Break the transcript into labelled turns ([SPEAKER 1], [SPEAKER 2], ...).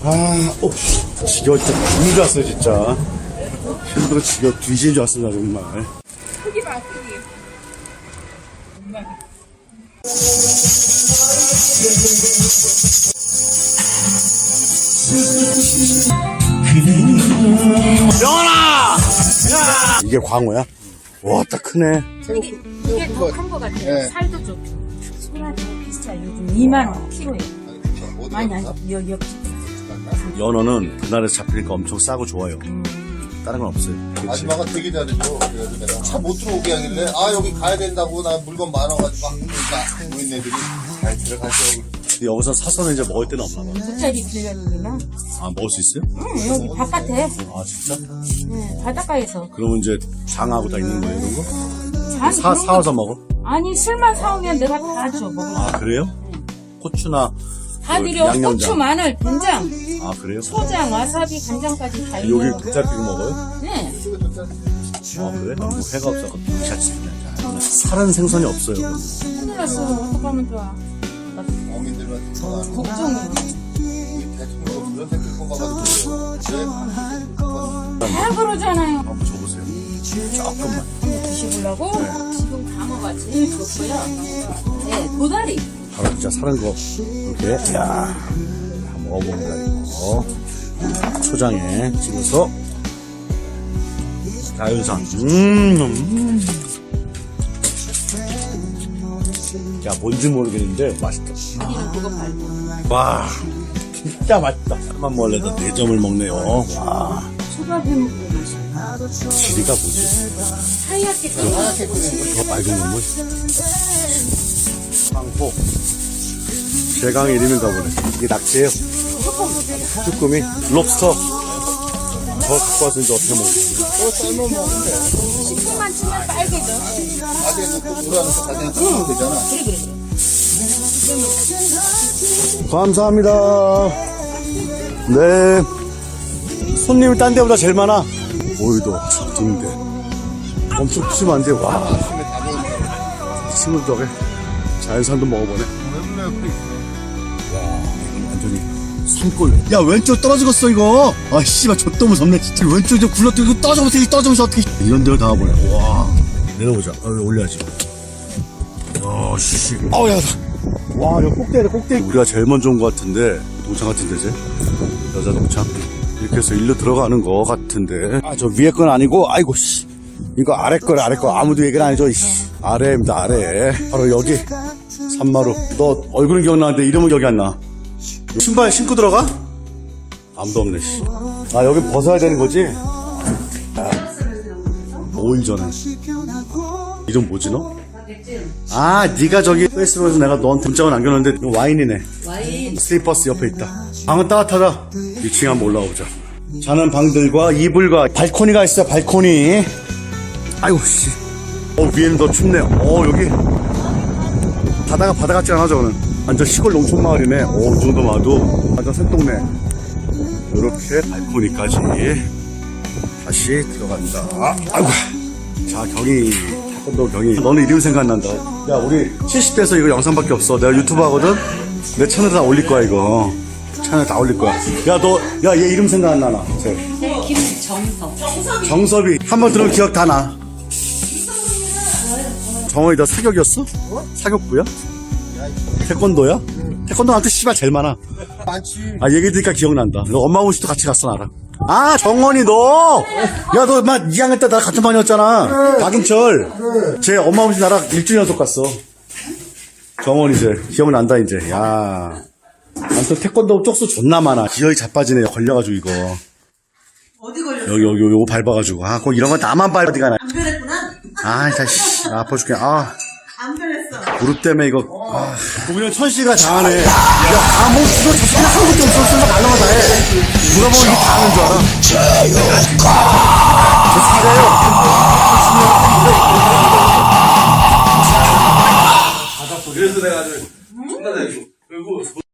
[SPEAKER 1] 지겨워, 진짜 죽는 줄 알았어, 진짜. 힘들어, 지겨워, 뒤지는 줄 알았어, 나 정말.
[SPEAKER 2] 크기 봐, 크기.
[SPEAKER 1] 영원아! 이게 광어야? 와, 딱 크네.
[SPEAKER 2] 이게 더 큰 거 같아요.
[SPEAKER 3] 네.
[SPEAKER 2] 살도 좋고. 소라도 비싸요. 요즘 2만원 키로에. 아니, 여기.
[SPEAKER 1] 연어는 그날에서 잡히니까 엄청 싸고 좋아요. 다른 건 없어요. 그치?
[SPEAKER 3] 아줌마가 되게 잘해줘. 그래서 내가 차 못 들어오게 하길래, 여기 가야 된다고, 나 물건 많아가지고, 모인 애들이 잘 들어가죠.
[SPEAKER 1] 근데 여기서 사서는 이제 먹을 데는 없나 봐.
[SPEAKER 2] 2짜리 빌려주면.
[SPEAKER 1] 먹을 수 있어요?
[SPEAKER 2] 응, 여기 바깥에.
[SPEAKER 1] 진짜?
[SPEAKER 2] 네, 바닷가에서.
[SPEAKER 1] 그러면 이제 장하고 다 있는 거예요, 이런 거?
[SPEAKER 2] 장
[SPEAKER 1] 사와서 먹어?
[SPEAKER 2] 아니, 술만 사오면 내가 다 줘, 먹어.
[SPEAKER 1] 그래요? 고추나
[SPEAKER 2] 다 드려.
[SPEAKER 1] 양념장.
[SPEAKER 2] 고추, 마늘, 된장,
[SPEAKER 1] 그래요?
[SPEAKER 2] 소장, 와사비, 간장까지 다 있는
[SPEAKER 1] 여기
[SPEAKER 2] 거.
[SPEAKER 1] 도짜피고 먹어요?
[SPEAKER 2] 네.
[SPEAKER 1] 그래? 뭐 회가 없어서 도짜치 그냥 살은 생선이 없어요. 그럼.
[SPEAKER 2] 큰일 났어. 어떡하면 좋아. 나
[SPEAKER 3] 어민들만
[SPEAKER 2] 걱정해.
[SPEAKER 3] 대통령 그런 새끼 뽑아가지고.
[SPEAKER 2] 다 그러잖아요.
[SPEAKER 1] 한번 줘보세요. 조금만.
[SPEAKER 2] 드셔보려고? 지금 광어가 제일 좋고요. 네, 도다리.
[SPEAKER 1] 바로 진짜 사는 거 이렇게 한번 먹어봅니다. 이거 초장에 찍어서 자연산. 야, 뭔지 모르겠는데 맛있다.
[SPEAKER 2] 우리는 그거 팔고.
[SPEAKER 1] 와, 진짜 맛있다. 한만 몰래도 4점을 먹네요. 와,
[SPEAKER 2] 초밥 해먹고 맛있어.
[SPEAKER 1] 지리가 뭐지?
[SPEAKER 2] 하얗게 끓여.
[SPEAKER 1] 저 맑은 국물? 황포. 제강의 이름인가 보네. 이게 낙지예요. 쭈꾸미. 롭스터. 저 갖고 와서 이제 어떻게 먹을지.
[SPEAKER 3] 삶으면 먹으면 돼.
[SPEAKER 2] 식초만 치면 빨개져.
[SPEAKER 3] 가게에 놓고 노라는 거 가게에 넣으면 되잖아.
[SPEAKER 1] 감사합니다. 네. 손님이 딴 데보다 제일 많아. 오이도, 등대. 엄청 푸짐한데, 와. 친구 덕에 자연산도 먹어보네. 완전히 산골. 야, 왼쪽 떨어지겠어 이거. 씨발 좆도 무섭네 진짜. 왼쪽 좀 굴러뜨리고 떠져보면서 어떻게 이런 데로 닿아보네. 와, 내려보자. 올려야지. 씨. 야, 와, 여기 꼭대기네, 꼭대기. 우리가 제일 먼저 온 것 같은데, 동창 같은 데지? 여자 동창. 이렇게 해서 일로 들어가는 것 같은데. 저 위에 건 아니고, 아이고 씨, 이거 아래 거래. 아무도 얘기는 안 해줘. 아래입니다, 아래. 바로 여기 산마루. 너 얼굴은 기억나는데 이름은 기억이 안 나. 신발 신고 들어가? 아무도 없네. 씨. 여기 벗어야 되는 거지? 5일 전에. 이름 뭐지 너? 네가 저기 페이스북에서 내가 너한테 문자가 남겨놨는데 이거 와인이네.
[SPEAKER 2] 와인.
[SPEAKER 1] 슬리퍼스 옆에 있다. 방은 따뜻하다. 2층에 한번 올라오자. 자는 방들과 이불과 발코니가 있어. 발코니. 아이고 씨. 위에는 더 춥네요. 여기 바다 같지 않아. 저거는 완전 시골 농촌 마을이네. 이 정도 봐도 완전 산동네. 이렇게 발코니까지 다시 들어간다. 아이고. 자, 경희. 너 경희. 너는 이름 생각난다. 야, 우리 70대에서 이거 영상밖에 없어. 내가 유튜브 하거든. 내 채널에 다 올릴 거야 이거. 채널에 다 올릴 거야. 얘 이름 생각 안 나나?
[SPEAKER 2] 네, 김정섭.
[SPEAKER 1] 정섭이. 한번 들으면 기억 다 나. 정원이 너 사격이었어? 사격부야? 태권도야? 태권도한테 씨발 제일 많아.
[SPEAKER 3] 많지.
[SPEAKER 1] 얘기 들으니까 기억난다. 너 엄마 오시도 같이 갔어 나랑. 정원이 너! 야, 너 2학년 때 나랑 같은 반이었잖아. 박인철. 쟤 엄마 오시 나랑 일주일 연속 갔어. 정원이 이제 기억난다 이제. 야, 아무튼 태권도 쪽수 존나 많아. 기어이 자빠지네. 걸려가지고 이거.
[SPEAKER 4] 어디 걸렸어?
[SPEAKER 1] 여기 요거 밟아가지고. 꼭 이런 건 나만 밟아. 어디가 나.
[SPEAKER 4] 안 변했구나?
[SPEAKER 1] 아파 죽겠네.
[SPEAKER 4] 안 변했어.
[SPEAKER 1] 무릎 때문에 이거. 그냥 천씨가 다 하네. 뭐, 그거 자체는 한 것도 없었으면 말로만 다 해. 누가 보면 이게 다 하는 줄 알아. 저 차가요. 그래서 내가 아주,